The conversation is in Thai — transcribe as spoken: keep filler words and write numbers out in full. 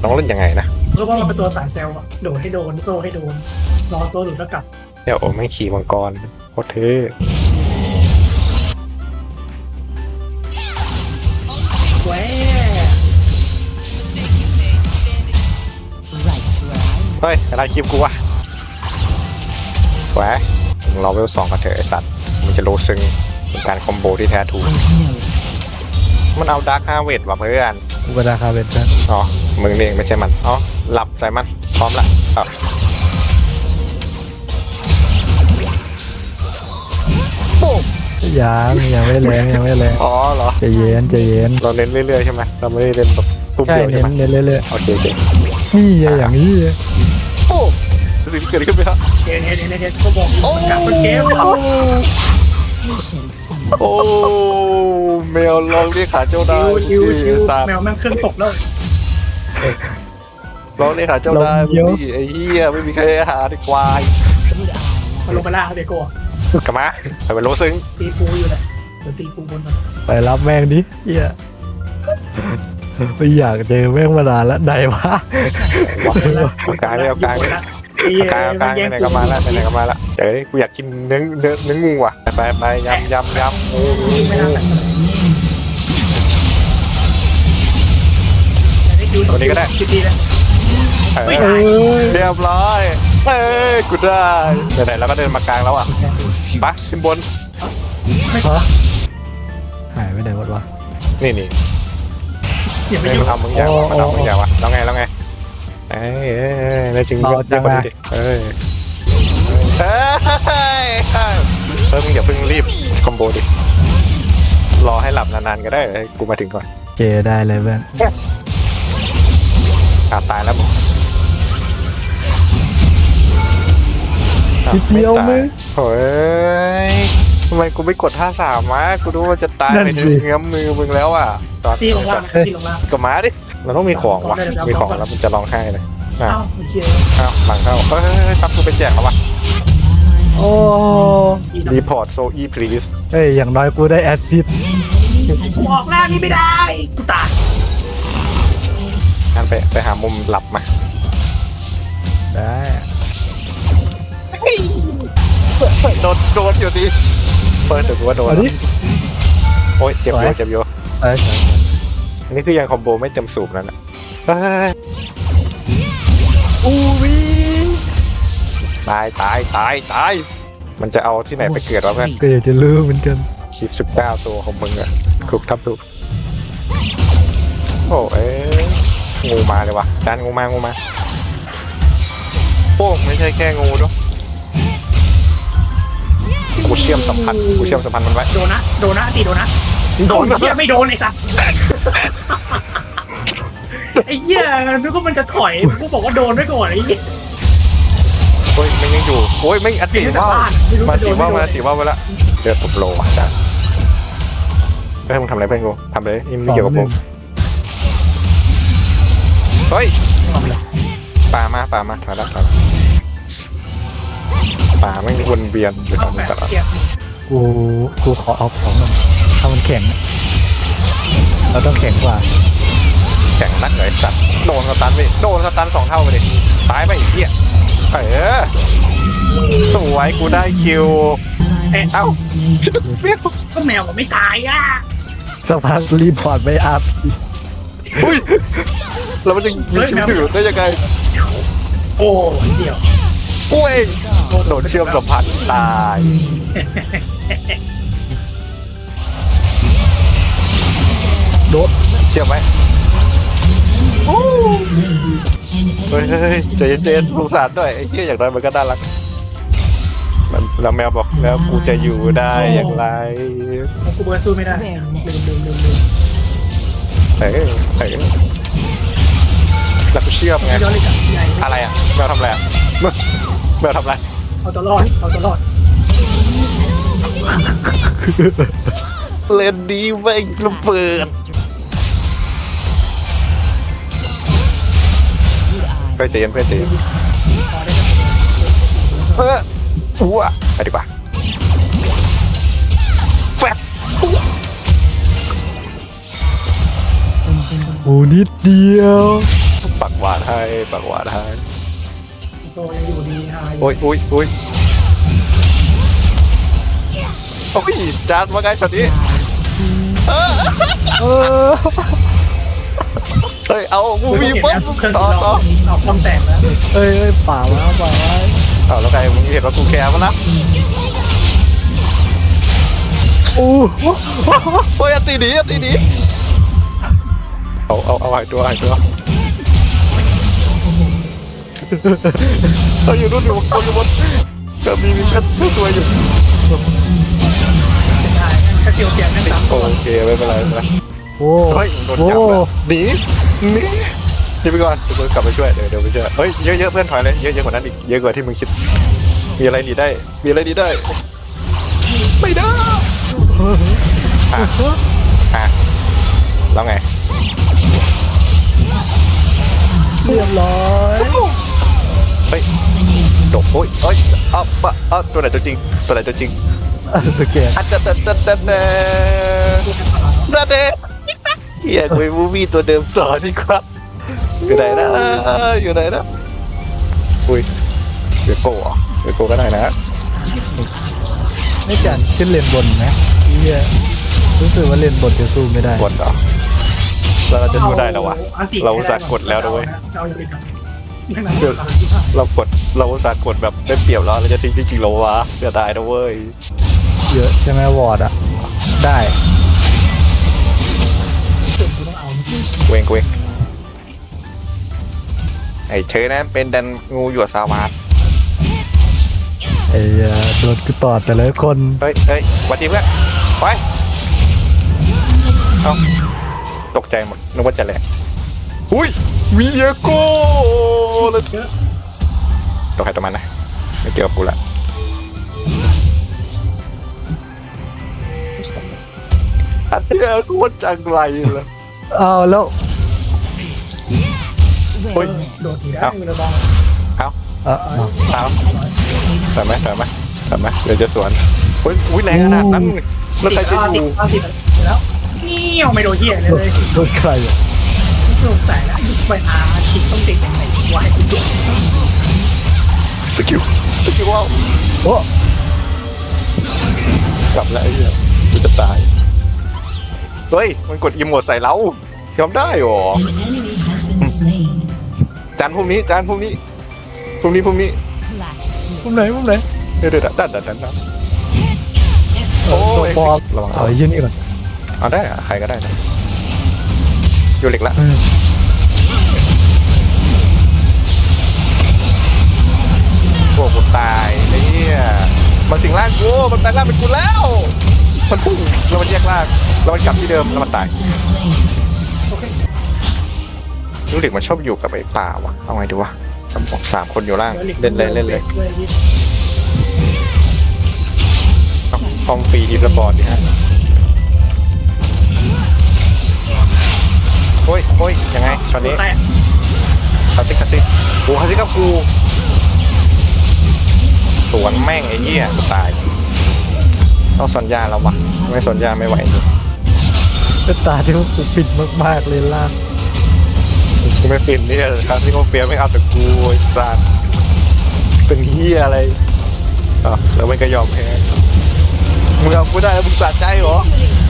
ต้องเล่นยังไงนะเพราะว่ามันเป็นตัวสายเซลล์อะโดดให้โดนโซ่ให้โดนรอโซ่หลุดแล้วกลับเดี๋ยวโอ้ไม่ขี่มังกรโคตรเท่แหวเฮ้ยอะไรคลิปกูวะแหวมึงรอเวลสองกันเถอะไอ้สัตว์มันจะโลซึงเป็นการคอมโบที่แท้ถูกมันเอาดาร์คฮาเวดว่ะเพื่อนกูกระดาคาเวนกันอ๋อมึงเองไม่ใช่มันอ๋อหลับใส่มันพร้อมละอ๋อยังยังไม่แรงยังไม่แรงอ๋อเหรอใจเย็นใจเย็นเราเน้นเรื่อยๆใช่ไหมเราไม่ได้เล่นแบบตุ้มใช่เดียวเน้ใช่นไหมเน้นเรื่อยโอเคโอเคๆนี่อย่างนี้โอ้สิ่งที่เกิดขึ้นไปครับเห็นเห็นเห็นเห็นเขาบอกมันกลับมันเกมโอ้แมวลองเรียกขาเจ้าได้ชิวชิวแมวแม่งเครื่องตกแล้วลองเรียกขาเจ้าได้พี่ไอ้เหี้ยไม่มีใครหาดีควายมาลงมาล่าเด็กกูกลับมาไปเป็นโลซึงตีปูอยู่เลยเดี๋ยวตีปูบนมันไปรับแม่งดิเหี้ยไม่อยากเจอแม่งมานานแล้วไหนวะเอากลางเลยเอากลางเลยเอากลางเอากลางไหนก็มาแล้วไหนก็มาแล้วเดี๋ยวกูอยากกินเนื้อเนื้อเนื้องูอ่ะไปไปยำยำยำงูตัวนี้ก็ได้เรียบร้อยเฮ้ยกูได้ไหนๆแล้วก็เดินมากลางแล้วอ่ะปะขึ้นบนหายไปไหนหมดวะนี่นี่ไม่ทำมึงอย่างวะมาทำมึงอย่างวะแล้วไงแล้วไงเอ้ยเอ้ยในจริงยอดยังไงเอ้ยเฮ้ยเพิ่งอย่าเพิ่งรีบคอมโบดิรอให้หลับนานๆก็ได้กูมาถึงก่อนเจได้เลยเพื่อนอาตายแล้วมึงเดียวมึงเฮ้ยทำไมกูไม่กดท่าสามวะกูรู้ว่าจะตายไปในเงื้อมมือมึงแล้วอ่ะซีลงล่างซีลงล่างก็มาดิมันต้องมีของวะมีของแล้วมันจะร้องไห้เลยอ้าวเชี่ยอ้าวหลังเข้าเฮ้ยซับกูเป็นแจกแล้ววะโอ้รีพอร์ตโซอีพลีสเฮ้ยอย่างน้อยกูได้แอสซิสออกล่างนี่ไม่ได้กูตายงั้นไปไปหามุมหลับมาได้โดนโดนอยู่ดิเปิดแต่กูว่าโดนโอ้ยเจ็บอยู่เจ็บอยู่อันนี้คือยังคอมโบไม่เต็มสูบนั่นแหละอู้วิตายตายตายตายมันจะเอาที่ไหนไปเกิดวะเพื่อนก็อยากจะรู้เหมือนกันคลิปสิบเก้าตัวของมึงอะถูกทับถูกโอ้เอ๊ะงูมาเลยวะจานงูมางูมาโป้งไม่ใช่แค่งูด้วยกูเชื่อมสัมพันธ์กูเชื่อมสัมพันธ์มันไว้โดนนะโดนนะตีโดนนะโดนเหี้ยไม่โดนไอ้สัสไอ้เหี้ยนึกว่ามันจะถอยกูบอกว่าโดนไว้ก่อนไอ้เหี้ยโอ้ยมันยังอยู่โอ้ยไม่อัดติว่ามาติว่ามาติว่าไปละเดือดตบโลอ่ะจ้ะเฮ้ยมึงทำอะไรเพื่อนกูทำเลยนี่ไม่เกี่ยวกับผมเฮ้ยป่ามาป่ามาถอยแล้วถอยแล้วป่าไม่วนเวียนอยู่ตรงนี้ตลอดกูกูขอเอาของมันถ้ามันแข็งเราต้องแข็งกว่าแข็งนักเลยสัตว์โดนสตันไปโดนสตันสองเท่าไปดิตายไปอีกเหี้ยเออสวยกูได้คิวเอ้าก็แมวก็ไม่ตายอ่ะสักพักรีพอร์ตไม่อัพอุ้ยแล้วมันจะมีคิวถือได้ยังไงโอ้เดี๋ยวกูเองโดนเชื่อมสัมพันธ์ตายโดนเชื่อมไหมเฮ้ยใจเย็นๆสงสารด้วยไอ้เหี้ยอย่างไรมันก็น่ารักแล้วแมวบอกแล้วกูจะอยู่ได้อย่างไรกูเบอร์สู้ไม่ได้ลืมลืมลืมลืมเฮ้ยเฮ้ยแล้วกูเชื่อมไงอะไรอ่ะแมวทำอะไรอ่ะแมวทำอะไรเอาตัวรอดเอาตัวรอดเล่นดีไประเบิดไปเตียนไปเตียนเฮ้ยอ้วไปดีกว่าแฟบโอ้นิดเดียวปักหวานให้ปากหวานให้โตยังอยู่ดีฮะโอ้ยโอ้ยโอ้ยโอ้ยจานมาไงช็อตนี้เออเออเฮ้ยเอามูมีมีปุ๊ปุ๊บบ เครื่องต่อต่ต่ออออกความแตกแล้วเอ้ยเอ้ยป่าวะป่าวะเอาแล้วไงมึงเห็นว่ากูแคร์มั้ยล่ะอู้โอ้ยอันตีหนีอันตีหนีเอาเอาเอาหายตัวหายตัวเอาอยู่นู่นอยู่บนอยู่บนก็มีมีก็สวยอยู่เสียดายถ้าเจียวเจียงนั่งสามตัวโอเคไม่เป็นไรไม่เป็นไรโอ้เฮ้ยโดนโอ้จับแล้วหนีหนีหนีไปก่อนเดี๋ยวกูกลับไปช่วยเดี๋ยวเดี๋ยวไปช่วยเฮ้ยเยอะๆเพื่อนถอยเลยเยอะๆกว่านั้นอีกเยอะกว่าที่มึงคิดมีอะไรหนีได้มีอะไรหนีได้ไม่ได้อ่ะอ่ะแล้วไงเรียบร้อยเฮ้ยจบโอ้ยเฮ้ยอ้าวปะอ้าวตัวไหนตัวจริงตัวไหนตัวจริงโอเคอันเดเดเดเดเดเดเดเฮียกูมูวี่ตัวเดิมต่อดีครับอยู่ไหนนะอยู่ไหนนะอุ้ยเวโก้เหรอเวโก้ก็ได้นะไม่จันขึ้นเลนบนไหมเฮียรู้สึกว่าเลนบนจะสู้ไม่ได้กดเหรอแล้วเราจะสู้ได้แล้ววะเราอุตส่าห์กดแล้วนะเว้ยเอาอย่างนี้ครับนั่งหลังอยู่ครับที่ผ่านเรากดเราอุตส่าห์กดแบบได้เปรียบแล้วเราจะทิ้งจริงๆเราวะเสียดายนะเว้ยเยอะใช่ไหมวอร์ดอ่ะได้จุดกูต้องเอาเวงเวงไอ้เธอนะเป็นดันงูหยวดสาวาดไอ้เหี้ยโดนกูตอดแต่ละคนเฮ้ยเฮ้ยสวัสดีเพื่อนไปเอ้าตกใจหมดนึกว่าจะแหลกอุ้ยวีเอโก้แล้วเยอะตัวใครตัวมันนะไม่เกี่ยวกับกูละอันเนี้ยโคตรจังไรเลยอ้าวแล้วเฮ้ยโดดทีได้มือระบองเอ่ะอ้าวเอาถอยไหมถอยไหมถอยไหมเดี๋ยวจะสวนอุ้ยอุ้ยแรงขนาดนั้นแล้วใครจะติดอยู่แล้วติดแล้วนี่เอาไม่โดนเหี้ยเลยเลยโดนใครอ่ะสงสัยแล้วไปอาคิดต้องติดยังไงวะให้กูดูสกิลสกิลว้าวโอ้กลับแล้วไอ้เหี้ยกูจะตายเฮ้ยมันกดอีโมดใส่เราทำได้หรอ An enemy has been slain. จานพวกนี้จานพวกนี้พวกนี้พวกนี้มุมไหนมุมไหนเดี๋ยวเดี๋ยวดันดันดันดันโอ้โอ้ยบอลระวังเอาไอ้ยี่นี่ก่อนเอาได้อะใครก็ได้นะอยู่เหล็กละอืมโอ้กูตายไอ้เนี่ยมันสิงร่างกูมันแปลงร่างเป็นกูแล้วมันพุ่งแล้วมันแยกร่างแล้วมันกลับที่เดิมแล้วมันตาย Has been slain. โอเคลูกเหล็กมันชอบอยู่กับไอ้ป่าวะเอาไงดีวะผมสามคนอยู่ล่างเล่นเลยเล่นเลยเอาฟองฟรีอีสปอร์ตดิฮะโอ้ยโอ้ยยังไงตอนนี้แต่คาซิกคาซิกโอ้คาซิกกับกูสวนแม่งไอ้เหี้ยกูตายต้องสนยาแล้ววะไม่สนยาไม่ไหวจริงเป็นตาที่ว่ากูปิดมากๆเลยล่างกูไม่ปินเนี่ยคาซิกโอเปียไม่เอาแต่กูไอ้สัตว์เป็นเหี้ยอะไรอ่ะแล้วมันก็ยอมแพ้มึงเอากูได้แล้วมึงสะใจเหรอ